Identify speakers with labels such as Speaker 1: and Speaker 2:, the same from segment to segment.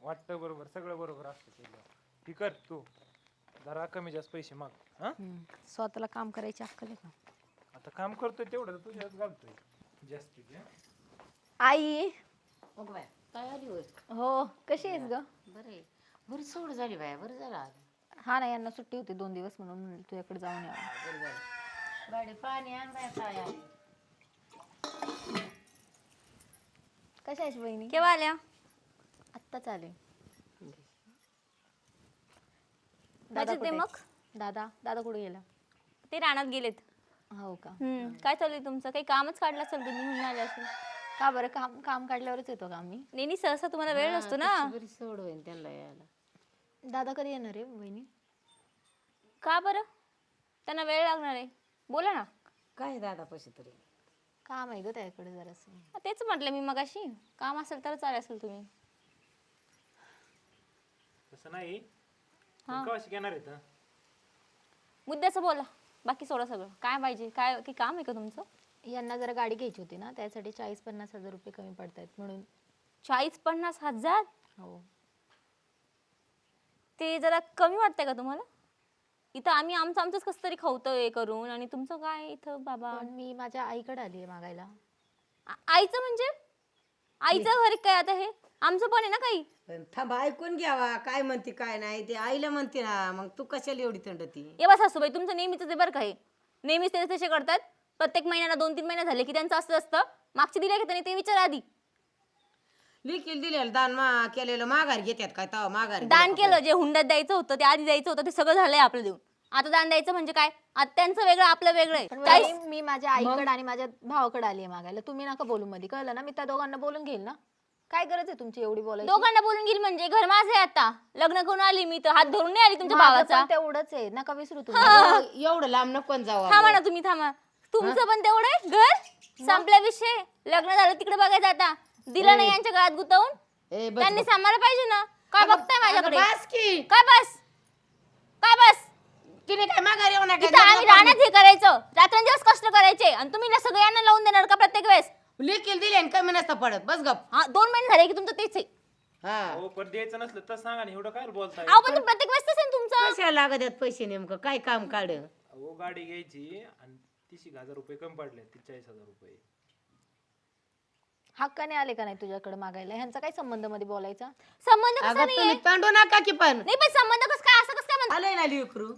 Speaker 1: वाटतं बरोबर, सगळं बरोबर असतं तुझं. ठीक कर तू जरा कमी जास्त पैसे माग. हा
Speaker 2: स्वतःला काम करायची अक्कल आहे का?
Speaker 1: आता काम करतोय तेवढं तर तुझ्याच घालतोय जास्तीत.
Speaker 2: आई
Speaker 3: मग बाय काय आली होय?
Speaker 2: हो, कशी आहेस ग?
Speaker 3: बरं आहे. बरी सोड झाली बाय, बरं झालं आज.
Speaker 2: हा ना, यांना सुट्टी होती 2 दिवस म्हणून म्हणलं तुझ्याकडे जाऊन यावं.
Speaker 3: बरं झालं. बाडी पाणी आण बाय काय आली.
Speaker 2: कशा आहेस बहिणी?
Speaker 4: केव्हा आल्या?
Speaker 2: आत्ताच आले.
Speaker 4: मजेत
Speaker 2: कुठे
Speaker 4: आहे मग?
Speaker 2: दादा दादा कुठे गेला?
Speaker 4: ते रानात गेलेत.
Speaker 2: हो का?
Speaker 4: काय चालू आहे तुमचं? काही कामच काढलं असेल तुम्ही म्हणून आले असेल.
Speaker 2: का बरं, काम काम काढल्यावरच येतो का आम्ही?
Speaker 4: नेहमी सहसा तुम्हाला वेळ नसतो ना.
Speaker 3: तशी बरी सोड होईल त्यांना यायला.
Speaker 2: दादा कधी येणार आहे बहिणी?
Speaker 4: का बरं? त्यांना वेळ लागणार आहे. बोला ना.
Speaker 3: काय दादा पैसे तरी
Speaker 2: काम आहे ग त्याकडे जरासं.
Speaker 4: तेच म्हटलं मी मगाशी. काम असेल तरच आले असेल तुम्ही.
Speaker 1: तसं नाही कवाशी घेणार आहेत हं?
Speaker 4: मुद्द्याचं बोला. बाकी सोडा सगळं. काय पाहिजे? काय की काम आहे का तुमचं?
Speaker 2: यांना जरा गाडी घ्यायची होती ना, त्यासाठी 40-50 हजार रुपये कमी पडतायत म्हणून.
Speaker 4: 40-50 हजार?
Speaker 2: हो.
Speaker 4: ते जरा कमी वाटतंय का तुम्हाला? इथं आम्ही आमचंच कसं तरी खावतोय करून आणि तुमचं काय इथं बाबा.
Speaker 2: पण मी माझ्या आईकडे आली आहे मागायला.
Speaker 4: आईचं म्हणजे? आईचं घर काय आता हे? आमचं पण आहे ना काही.
Speaker 3: पण थांबा ऐकून घ्यावा काय म्हणते काय नाही ते आईला म्हणते ना, मग तू कशाला एवढी थंडती.
Speaker 4: ये बस सासूबाई, तुमचं नेहमीच ते बरं काय. नेहमीच ते तसे करतात. प्रत्येक महिन्याला 2-3 महिने झाले की त्यांचं असं असतं. मागचे दिले की त्यांनी ते विचार आधी.
Speaker 3: लिखील दिलेलं दान केलेलं माघार घेतात काय तवा माघार
Speaker 4: दान केलं, जे हुंड्यात द्यायचं होतं ते आधी द्यायचं होतं ते सगळं झालंय आपलं देऊन. आता दान द्यायचं म्हणजे काय? आता त्यांचं वेगळं आपलं वेगळं आहे.
Speaker 2: पण
Speaker 4: काय?
Speaker 2: मी माझ्या आईकडे आणि माझ्या भावाकडे आली आहे मागायला. तुम्ही नका बोलू मध्ये, कळलं ना? मी त्या दोघांना बोलून घेईल ना. काय गरज आहे तुमची एवढी बोलायची?
Speaker 4: दोघांना बोलून घेईल म्हणजे घर माझं आहे आता. लग्न करून आली मी तर हात धरून नाही आली तुमच्या
Speaker 2: माझं
Speaker 4: भावाचा.
Speaker 2: पण तेवढंच आहे, नका विसरू तुम्ही.
Speaker 3: एवढं लांब नको जाऊ
Speaker 4: थांबा ना तुम्ही, थांबा. तुमचं पण तेवढं आहे घर? संपल्या विषय. लग्न झालं तिकडे बघायचं आता. दिलं नाही यांच्या गळ्यात गुतवून. त्यांनी सांभाळलं पाहिजे ना. काय बघताय माझ्याकडे?
Speaker 3: बस की
Speaker 4: काय बस? काय बस?
Speaker 3: तिने काय माघार येऊ नका.
Speaker 4: इथं आम्ही राहण्यात हे करायचं, रात्रंदिवस कष्ट करायचे आणि तुम्ही ना सगळ्यांना लावून देणार का प्रत्येक वेळेस?
Speaker 3: लिखील दिले आणि कमी नसता पडत बस गप.
Speaker 4: हा 2 महिने झाले की तुमचं तेच आहे.
Speaker 3: हा
Speaker 1: हो पण द्यायचं नसलं तर सांगा ना, एवढं काय बोलताय.
Speaker 4: अहो पण प्रत्येक वेळेस तसं आहे ना तुमचं.
Speaker 3: कशाला लागत आहेत पैसे नेमकं काय काम काढ.
Speaker 1: अहो गाडी घ्यायची आणि 30,000 रुपये कमी पडले, 40,000 रुपये.
Speaker 2: हक्काने आले का नाही तुझ्याकडे मागायला? ह्यांचा काय संबंध मध्ये बोलायचा?
Speaker 4: संबंध कसा
Speaker 3: अगं
Speaker 4: नाहीये?
Speaker 3: तुम्ही तंडू नका की पण
Speaker 4: नाही पण संबंध कसं काय, असं कसं काय म्हणता?
Speaker 3: आलंय ना लिकरू.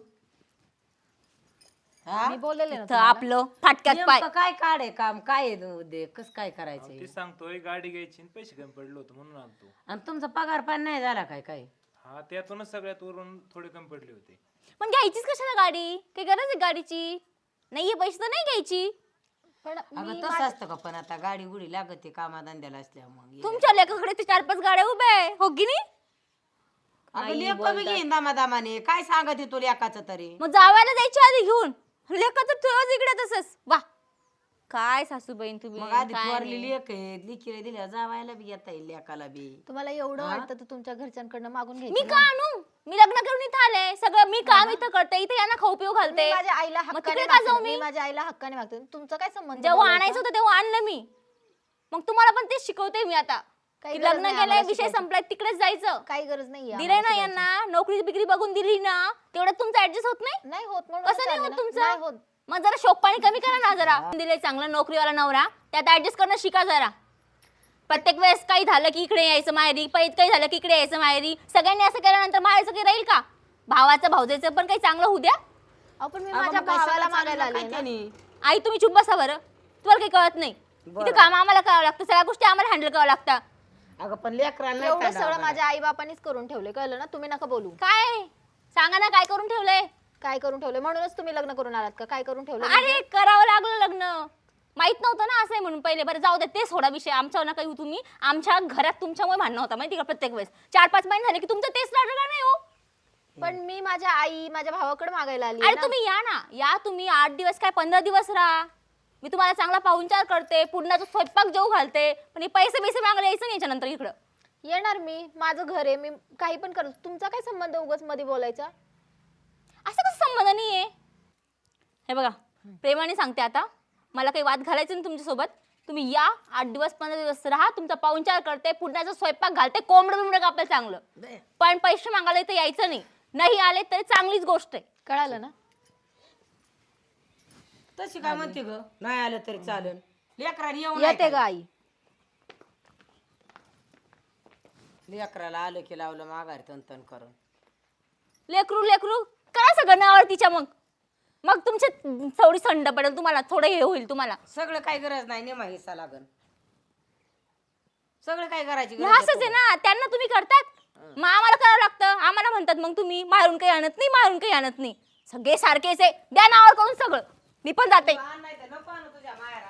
Speaker 3: हा
Speaker 2: मी बोललेले ना
Speaker 4: इथं आपलं फाटक्यात पाय.
Speaker 3: नेमकं काय काढे काम काय आहे उद्या कस काय करायचंय.
Speaker 1: ते सांगतोय गाडी घ्यायची आणि पैसे कमी पडले होते म्हणून आलतो.
Speaker 3: आणि तुमचा पगार पण नाही झाला काय काय.
Speaker 1: हा त्यातूनच सगळ्यात वरून थोडे कमी पडले होते.
Speaker 4: पण घ्यायचीच कशाला गाडी? काही गरज आहे गाडीची? नाहीये पैसे तर नाही घ्यायची.
Speaker 2: पण
Speaker 3: अगं तसं असतं का, पण आता गाडी गुडी लागते कामाधंद्याला असल्या मग
Speaker 4: तुमच्या लेखाकडे ते 4-5 गाड्या उभ्या आहे, हो की नाही?
Speaker 3: अगं लेक बी घेईन दामादामाने काय सांगत आहे तुला एकाच तरी.
Speaker 4: मग जावायला जायची आधी घेऊन. लेखाचं ठेवच इकडे तसंच. वा काय सासूबाईन तुम्ही.
Speaker 3: मग आधी
Speaker 4: काय
Speaker 3: थोरली
Speaker 4: नाही.
Speaker 3: लेक आहे लिखीला दिल्या जावायला बी येता येईल लेकाला बी.
Speaker 2: तुम्हाला एवढं वाटतं तर तुमच्या घरच्यांकडनं मागून
Speaker 4: मी
Speaker 2: घ्यायचं
Speaker 4: का आणू? मी लग्न करून इथं आले. सगळं मी काम इथं करते. इथे यांना खाऊ पिऊ घालते.
Speaker 2: मी माझ्या आईला
Speaker 4: मग
Speaker 2: हक्काने
Speaker 4: तिकडे का जाऊ
Speaker 2: मागते.
Speaker 4: मी?
Speaker 2: मी माझ्या आईला हक्काने मागते. तुमचा काय संबंध?
Speaker 4: जेव्हा
Speaker 2: बोलायचा?
Speaker 4: आणायचं होतं तेव्हा आणलं मी. मग तुम्हाला पण तेच शिकवते मी आता.
Speaker 2: काही
Speaker 4: की
Speaker 2: गरज
Speaker 4: लग्न
Speaker 2: नाही
Speaker 4: केलंय,
Speaker 2: आम्हाला
Speaker 4: विषय
Speaker 2: शिकवायची.
Speaker 4: संपलाय, तिकडेच जायचं.
Speaker 2: काही गरज नाही
Speaker 4: दिलंय ना यांना, नोकरी बिकरी बघून दिली ना, तेवढ्यात तुमचं ऍडजस्ट होत नाही?
Speaker 2: नाही होत म्हणून
Speaker 4: कसं नाही
Speaker 2: चाललं
Speaker 4: होत
Speaker 2: ना.
Speaker 4: तुमचं?
Speaker 2: नाही होत.
Speaker 4: मग जरा शोक पाणी कमी करा ना जरा. दिले चांगला नोकरीवाला नवरा, त्यात ऍडजस्ट करणं शिका जरा. प्रत्येक वेळेस काही झालं की इकडे यायचं माहेरी, पैत काही झालं की इकडे यायचं माहेरी. सगळ्यांनी असं केल्यानंतर माहेरचं काही राहील का? भावाचं भाऊजाचं पण काही चांगलं होऊ द्या.
Speaker 2: आपण मी
Speaker 3: अगं
Speaker 2: माझ्या
Speaker 3: मग काय
Speaker 2: भावाला
Speaker 3: सगळं
Speaker 2: मागायला
Speaker 3: चाललं
Speaker 2: आले
Speaker 3: काय
Speaker 2: ना.
Speaker 3: त्यानी?
Speaker 4: आई तुम्ही चुप बसा बरं. तुम्हाला काही कळत नाही. इथे काम आम्हाला करावं लागतं, सगळ्या गोष्टी आम्हाला हँडल करावं लागतं.
Speaker 3: अगं पण लेकरांना
Speaker 2: एवढं
Speaker 3: नाही
Speaker 2: सगळं
Speaker 3: काढावं.
Speaker 2: माझ्या आई बापानीच करून ठेवले, कळलं ना? तुम्ही नका बोलू.
Speaker 4: काय सांगा ना, काय करून ठेवलंय?
Speaker 2: काय करून ठेवले? म्हणूनच तुम्ही लग्न करून आलात का? काय करून ठेवलं?
Speaker 4: अरे करावं लागलं लग्न. माहित नव्हतं ना असं आहे म्हणून. पहिले बरं जाऊ दे, ते सोडा विषय. आमच्यावर नका येऊ तुम्ही. आमच्या घरात तुमच्यामुळे भांडणं होता माहिती का प्रत्येक वेळेस. 4-5 महिने झाले की तुमचं तेच लढलं नाही हो.
Speaker 2: पण मी माझ्या आई माझ्या भावाकडे मागायला आली
Speaker 4: अरे तुम्ही या ना, या तुम्ही. 8 दिवस काय 15 दिवस राहा. मी तुम्हाला चांगला पाहुणचार करते, पुरणाचा स्वयंपाक जेवू घालते. पण हे पैसे मागायला यायचं नाही याच्यानंतर इकडं.
Speaker 2: येणार मी, माझं घर आहे, मी काही पण करतो. तुमचा काय संबंध उगाच मध्ये बोलायचा?
Speaker 4: असं कसं संबंध नाहीये? हे बघा, प्रेमाने सांगते आता. मला काही वाद घालायचं नाही तुमच्यासोबत. तुम्ही या 8 दिवस 15 दिवस राहा, तुमचा पाहुणचार करते, पुण्याचा स्वयंपाक घालते, कोंबडं बिंबडं कापलं चांगलं,
Speaker 3: दे.
Speaker 4: पण पैसे मागायला इथं यायचं नाही. नाही आले तरी चांगलीच गोष्ट आहे.
Speaker 2: कळालं ना?
Speaker 3: तशी काय म्हणते ग? नाही आलं तरी चालेल. लेकराला येऊन
Speaker 2: येते का आई?
Speaker 3: लेकराला आलं की लावलं माघारी तन करून.
Speaker 4: लेकरू लेकरू करा सगळं नावावर तिच्या. मग मग तुमचे थोडी संड पडेल तुम्हाला, थोडं हे होईल तुम्हाला.
Speaker 3: सगळं काही गरज नाही, नेमा हिस्सा लागन. सगळं काय करायची
Speaker 4: हे
Speaker 3: गरज
Speaker 4: असंच आहे ना, त्यांना तुम्ही करतात, मग आम्हाला करावं लागतं. आम्हाला म्हणतात मग तुम्ही मारून काही आणत नाही, मारून काही आणत नाही. सगळे सारखेच आहे, द्या नावावर करून सगळं. मी पण जाते.
Speaker 3: नाही तर नको आणू तुझ्या माहेरात.